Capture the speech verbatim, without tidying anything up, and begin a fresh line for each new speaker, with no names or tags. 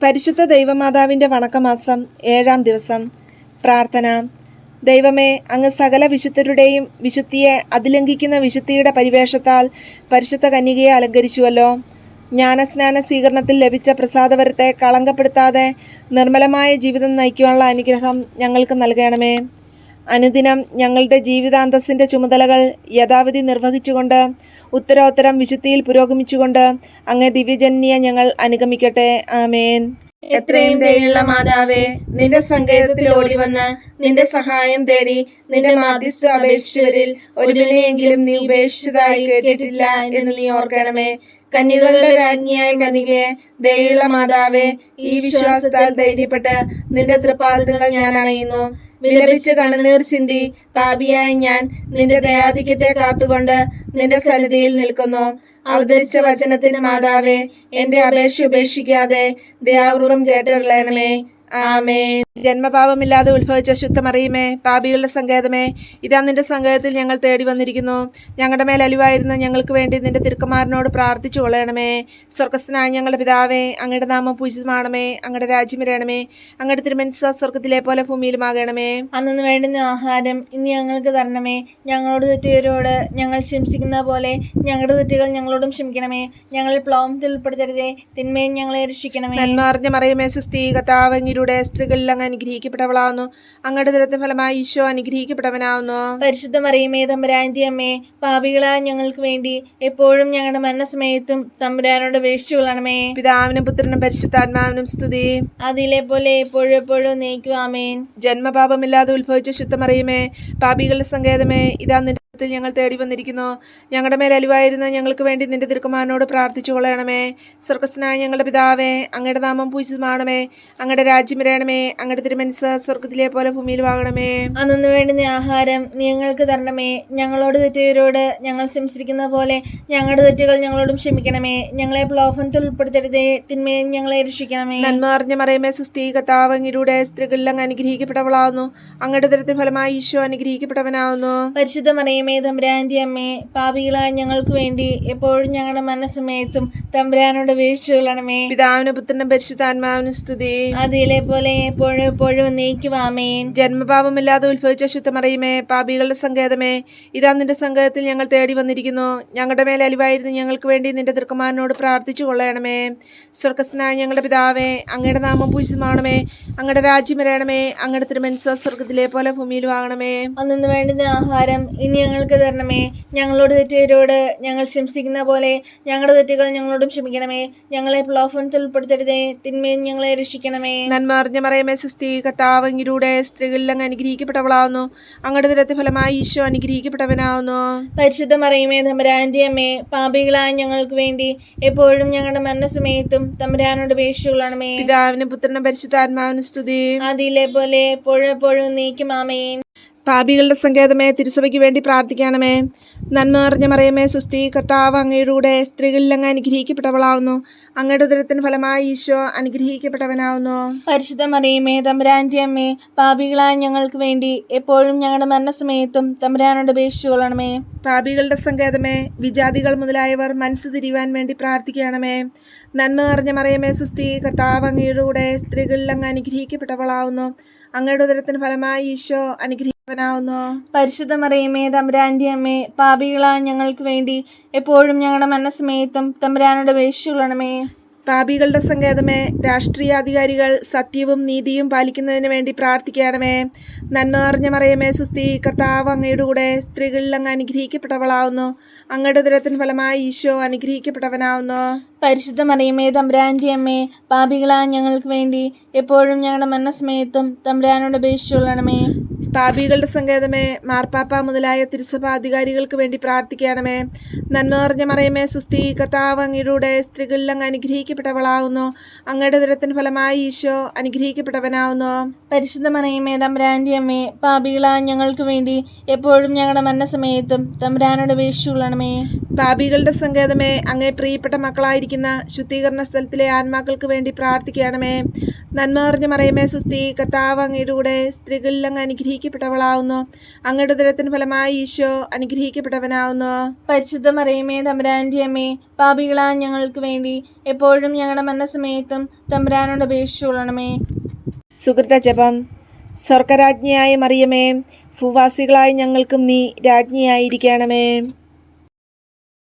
പരിശുദ്ധ ദൈവമാതാവിൻ്റെ വണക്കമാസം ഏഴാം ദിവസം. പ്രാർത്ഥന. ദൈവമേ, അങ്ങ് സകല വിശുദ്ധരുടെയും വിശുദ്ധിയെ അതിലംഘിക്കുന്ന വിശുദ്ധിയുടെ പരിവേഷത്താൽ പരിശുദ്ധ കന്യകയെ അലങ്കരിച്ചുവല്ലോ. ജ്ഞാനസ്നാന സ്വീകരണത്തിൽ ലഭിച്ച പ്രസാദവരത്തെ കളങ്കപ്പെടുത്താതെ നിർമ്മലമായ ജീവിതം നയിക്കുവാനുള്ള അനുഗ്രഹം ഞങ്ങൾക്ക് നൽകണമേ. അനുദിനം ഞങ്ങളുടെ ജീവിതാന്തസ്സിൻ്റെ ചുമതലകൾ യഥാവിധി നിർവഹിച്ചുകൊണ്ട് ഉത്തരോത്തരം വിശുദ്ധിയിൽ പുരോഗമിച്ചുകൊണ്ട് അങ്ങേ ദിവ്യജന്യെ ഞങ്ങൾ അനുഗമിക്കട്ടെ. ആമേൻ.
എത്രയും ദയുള്ള മാതാവേ, നിന്റെ സങ്കേതത്തിൽ ഓടി വന്ന് നിന്റെ സഹായം തേടി നിന്റെ മാധ്യസ്ഥ അപേക്ഷിച്ചവരിൽ ഒരുവിനെയെങ്കിലും നീ ഉപേക്ഷിച്ചതായി കേട്ടിട്ടില്ല എന്ന് നീ ഓർക്കണമേ. കന്യകളുടെ രാജ്ഞിയായ കന്യകയെ, ദയുള്ള മാതാവേ, ഈ വിശ്വാസത്താൽ ധൈര്യപ്പെട്ട് നിന്റെ തൃപ്പാദങ്ങൾ ഞാൻ അണയുന്നു. വിലപിച്ച് കണ്ണുനീർ ചിന്തി പാപിയായ ഞാൻ നിന്റെ ദയാധിക്യത്തെ കാത്തുകൊണ്ട് നിന്റെ സന്നിധിയിൽ നിൽക്കുന്നു. അവതരിച്ച വചനത്തിന് മാതാവേ, എന്റെ അപേക്ഷ ഉപേക്ഷിക്കാതെ ദയാപൂർവം കേട്ടറിയണമേ. ആമേൻ.
ജന്മപാപമില്ലാതെ ഉത്ഭവിച്ച ശുദ്ധമറിയുമേ, പാപികളുടെ സങ്കേതമേ, ഇതാ നിന്റെ സങ്കേതത്തിൽ ഞങ്ങൾ തേടി വന്നിരിക്കുന്നു. ഞങ്ങളുടെ മേൽ അലിവായിരുന്ന ഞങ്ങൾക്ക് വേണ്ടി നിന്റെ തിരുക്കുമാരനോട് പ്രാർത്ഥിച്ചു കൊള്ളണമേ. സ്വർഗസ്ഥനായ ഞങ്ങളുടെ പിതാവേ, അങ്ങയുടെ നാമം പൂജിതമാണമേ. അങ്ങയുടെ രാജ്യം വരണമേ. അങ്ങയുടെ തിരുമനസ്സ് സ്വർഗത്തിലെ പോലെ ഭൂമിയിലുമാകണമേ.
അന്നു വേണ്ടുന്ന ആഹാരം ഇന്ന് ഞങ്ങൾക്ക് തരണമേ. ഞങ്ങളോട് തെറ്റുകാരോട് ഞങ്ങൾ ക്ഷമിക്കുന്ന പോലെ ഞങ്ങളുടെ തെറ്റുകൾ ഞങ്ങളോടും ക്ഷമിക്കണമേ. ഞങ്ങളിൽ പ്ലോമത്തിൽ ഉൾപ്പെടുത്തരുതേ, തിന്മയും ഞങ്ങളെ രക്ഷിക്കണമേ.
നന്മ അറിഞ്ഞ മറിയമേ, സുസ്ഥീ, കർത്താവ് അങ്ങയുടെ സ്ത്രീകളിൽ അങ്ങ് അനുഗ്രഹിക്കപ്പെട്ടവളാവുന്നു. അങ്ങയുടെ ദുരത്തിന് ഫലമായി ഈശോ അനുഗ്രഹിക്കപ്പെട്ടവനാവുന്നു.
പരിശുദ്ധ മറിയമേ, തമ്പുരാന്റെ അമ്മേ, പാപികളായ ഞങ്ങൾക്ക് വേണ്ടി എപ്പോഴും ഞങ്ങളുടെ മരണസമയത്തും തമ്പുരാനോട് അപേക്ഷിച്ചുകൊള്ളണമേ.
പിതാവിനും പുത്രനും പരിശുദ്ധാത്മാവിനും സ്തുതി.
അതിലെ പോലെ എപ്പോഴും എപ്പോഴും നയിക്കും. ആമേൻ.
ജന്മപാപമില്ലാതെ ഉത്ഭവിച്ച ശുദ്ധമറിയമേ, പാപികളുടെ സങ്കേതമേ, ഇതാ നിന്റെ ഞങ്ങൾ തേടി വന്നിരിക്കുന്നു. ഞങ്ങളുടെ മേൽ അലിവായിരുന്ന ഞങ്ങൾക്ക് വേണ്ടി നിന്റെ തിരുക്കുമാരനോട് പ്രാർത്ഥിച്ചു കൊള്ളണമേ. സ്വർഗസ്ഥനായ ഞങ്ങളുടെ പിതാവേ, അങ്ങയുടെ നാമം പൂജിതമാണമേ. അങ്ങയുടെ രാജ്യം വരണമേ. അങ്ങയുടെ തിരുമനസ്സ് സ്വർഗത്തിലെ പോലെ ഭൂമിയിലുമാകണമേ.
അന്നു വേണ്ടുന്ന ആഹാരം നീ ഞങ്ങൾക്ക് തരണമേ. ഞങ്ങളോട് തെറ്റുകാരോട് ഞങ്ങൾ ക്ഷമിച്ചിരിക്കുന്ന പോലെ ഞങ്ങളുടെ തെറ്റുകൾ ഞങ്ങളോടും ക്ഷമിക്കണമേ. ഞങ്ങളെ പ്രലോഭനത്തിൽ ഉൾപ്പെടുത്തരുതേ, തിന്മയും ഞങ്ങളെ രക്ഷിക്കണമേ.
നന്മ അറിഞ്ഞ മറിയമേ, സുസ്ഥീ, കർത്താവ് അങ്ങയുടെ സ്ത്രീകളിൽ അങ്ങ് അനുഗ്രഹിക്കപ്പെട്ടവളാവുന്നു. അങ്ങയുടെ ദുരത്തിന് ഫലമായി ഈശോ അനുഗ്രഹിക്കപ്പെട്ടവനാവുന്നു.
പരിശുദ്ധ മറിയമേ, തമ്പുരാന്റെ അമ്മേ, പാപികളായ ഞങ്ങൾക്ക് വേണ്ടി എപ്പോഴും ഞങ്ങളുടെ മനസ്സമയത്തും തമ്പുരാനോട് അപേക്ഷിച്ചുകൊള്ളണമേ.
പിതാവിനും പുത്രനും പരിശുദ്ധാത്മാവിനും സ്തുതി.
അതിലെ പോലെ എപ്പോഴും എപ്പോഴും നയിക്കും. ആമേൻ.
ജന്മപാപമില്ലാതെ ഉത്ഭവിച്ച ശുദ്ധമറിയമേ, പാപികളുടെ സങ്കേതമേ, ഇതാ നിന്റെ സങ്കേതത്തിൽ ഞങ്ങൾ തേടി വന്നിരിക്കുന്നു. ഞങ്ങളുടെ മേൽ അലിവായിരുന്നു ഞങ്ങൾക്ക് വേണ്ടി നിന്റെ തിരുക്കുമാരനോട് പ്രാർത്ഥിച്ചു കൊള്ളണമേ. സ്വർഗസ്ഥനായ ഞങ്ങളുടെ പിതാവേ, അങ്ങയുടെ നാമം പൂജിതമാണമേ. അങ്ങയുടെ രാജ്യം വരണമേ. അങ്ങയുടെ തിരുമനസ്സ് സ്വർഗത്തിലെ പോലെ ഭൂമിയിലും ആകണമേ.
അന്നു വേണ്ടുന്ന ആഹാരം ഇനി ഞങ്ങൾക്ക് തരണമേ. ഞങ്ങളോട് തെറ്റുകാരോട് ഞങ്ങൾ ക്ഷമിക്കുന്ന പോലെ ഞങ്ങളുടെ തെറ്റുകൾ ഞങ്ങളോടും ക്ഷമിക്കണമേ. ഞങ്ങളെ പ്രലോഭനത്തിൽ ഉൾപ്പെടുത്തരുതേ, തിന്മയും ഞങ്ങളെ രക്ഷിക്കണമേ.
നന്മ അറിഞ്ഞ മറിയമേ, സുസ്ഥീ, കർത്താവ് അങ്ങയുടെ സ്ത്രീകളിൽ അങ്ങ് അനുഗ്രഹിക്കപ്പെട്ടവളാവുന്നു. അങ്ങയുടെ ദുരത്തിന് ഫലമായി ഈശോ അനുഗ്രഹിക്കപ്പെട്ടവനാവുന്നു.
പരിശുദ്ധ മറിയമേ, തമ്പുരാന്റെ അമ്മേ, പാപികളായ ഞങ്ങൾക്ക് വേണ്ടി എപ്പോഴും ഞങ്ങളുടെ മരണസമയത്തും തമ്പുരാനോട് അപേക്ഷിച്ചുകൊള്ളണമേ.
പിതാവിനും പുത്രനും പരിശുദ്ധാത്മാവിനും സ്തുതി.
അതിലെ പോലെ എപ്പോഴും എപ്പോഴും നയിക്കും. ആമേൻ.
പാപികളുടെ സങ്കേതമേ, തിരുസഭയ്ക്ക് വേണ്ടി പ്രാർത്ഥിക്കണമേ. നന്മ നിറഞ്ഞ മറിയമേ, സുസ്ഥീ, കർത്താവ് അങ്ങയുടെ സ്ത്രീകളിൽ അങ്ങ് അനുഗ്രഹിക്കപ്പെട്ടവളാവുന്നു. അങ്ങയുടെ ഉദരത്തിന് ഫലമായി ഈശോ അനുഗ്രഹിക്കപ്പെട്ടവനാവുന്നു.
പരിശുദ്ധ മറിയമേ, തമ്പുരാന്റെ അമ്മേ, പാപികളായ ഞങ്ങൾക്ക് വേണ്ടി എപ്പോഴും ഞങ്ങളുടെ മരണസമയത്തും തമ്പുരാനോട് അപേക്ഷിച്ചുകൊള്ളണമേ.
പാപികളുടെ സങ്കേതമേ, വിജാതികൾ മുതലായവർ മനസ്സ് തിരിയുവാൻ വേണ്ടി പ്രാർത്ഥിക്കണമേ. നന്മ നിറഞ്ഞ മറിയമേ, സുസ്ഥീ, കർത്താവ് അങ്ങയുടെ സ്ത്രീകളിൽ അങ്ങ് അനുഗ്രഹിക്കപ്പെട്ടവളാവുന്നു. അങ്ങയുടെ ഉദരത്തിന് ഫലമായി ഈശോ അനുഗ്രഹിക്കപ്പെട്ടവനാവുന്നു.
പരിശുദ്ധ മറിയമേ, തമ്പുരാന്റെ അമ്മേ, പാപികളായ ഞങ്ങൾക്ക് വേണ്ടി എപ്പോഴും ഞങ്ങളുടെ മരണസമയത്തും തമ്പുരാനോട് അപേക്ഷിച്ചുകൊള്ളണമേ.
പാപികളുടെ സങ്കേതമേ, രാഷ്ട്രീയാധികാരികൾ സത്യവും നീതിയും പാലിക്കുന്നതിന് വേണ്ടി പ്രാർത്ഥിക്കണമേ. നന്മ നിറഞ്ഞ മറിയമേ, സുസ്ഥീ, കർത്താവ് അങ്ങയുടെ കൂടെ സ്ത്രീകളിൽ അങ്ങ് അനുഗ്രഹിക്കപ്പെട്ടവളാവുന്നു. അങ്ങയുടെ ഉദരത്തിന് ഫലമായി ഈശോ അനുഗ്രഹിക്കപ്പെട്ടവനാവുന്നു.
പരിശുദ്ധ മറിയമേ, തമ്പുരാന്റെ അമ്മേ, പാപികളായ ഞങ്ങൾക്ക് വേണ്ടി എപ്പോഴും ഞങ്ങളുടെ മരണസമയത്തും തമ്പുരാനോട് അപേക്ഷിച്ചുകൊള്ളണമേ.
പാപികളുടെ സങ്കേതമേ, മാർപ്പാപ്പ മുതലായ തിരുസഭാധികാരികൾക്ക് വേണ്ടി പ്രാർത്ഥിക്കണമേ. നന്മ നിറഞ്ഞ മറിയമേ, സുസ്ഥീ, കർത്താവ് അങ്ങയുടെ സ്ത്രീകളിൽ അങ്ങ് അനുഗ്രഹിക്കപ്പെട്ടവളാവുന്നു. അങ്ങയുടെ ഉദരത്തിന് ഫലമായി ഈശോ അനുഗ്രഹിക്കപ്പെട്ടവനാവുന്നു.
പരിശുദ്ധ മറിയമേ, തമ്പുരാന്റെ അമ്മേ, പാപികളായ ഞങ്ങൾക്ക് വേണ്ടി എപ്പോഴും ഞങ്ങളുടെ മരണസമയത്തും തമ്പുരാനോട് അപേക്ഷിച്ചുകൊള്ളണമേ.
പാപികളുടെ സങ്കേതമേ, അങ്ങേ പ്രിയപ്പെട്ട മക്കളായിരിക്കുന്ന ശുദ്ധീകരണ സ്ഥലത്തിലെ ആത്മാക്കൾക്ക് വേണ്ടി പ്രാർത്ഥിക്കണമേ. നന്മ നിറഞ്ഞ മറിയമേ, സുസ്ഥീ, കർത്താവ് അങ്ങയുടെ സ്ത്രീകളിൽ അങ്ങ് അനുഗ്രഹിക്കപ്പെട്ടവളാവുന്നു. അനുഗ്രഹിക്കപ്പെട്ടവളാവുന്നു. അങ്ങയുടെ ഉദരത്തിന് ഫലമായി ഈശോ അനുഗ്രഹിക്കപ്പെട്ടവനാവുന്നു.
പരിശുദ്ധ മറിയമേ തമ്പുരാന്റെ അമ്മേ, പാപികളായ ഞങ്ങൾക്ക് വേണ്ടി എപ്പോഴും ഞങ്ങളുടെ മരണസമയത്തും തമ്പുരാനോട് അപേക്ഷിച്ചുകൊള്ളണമേ.
സുഹൃത ജപം. സ്വർഗരാജ്ഞിയായ മറിയമേ, ഭൂവാസികളായ ഞങ്ങൾക്കും നീ രാജ്ഞിയായിരിക്കണമേ.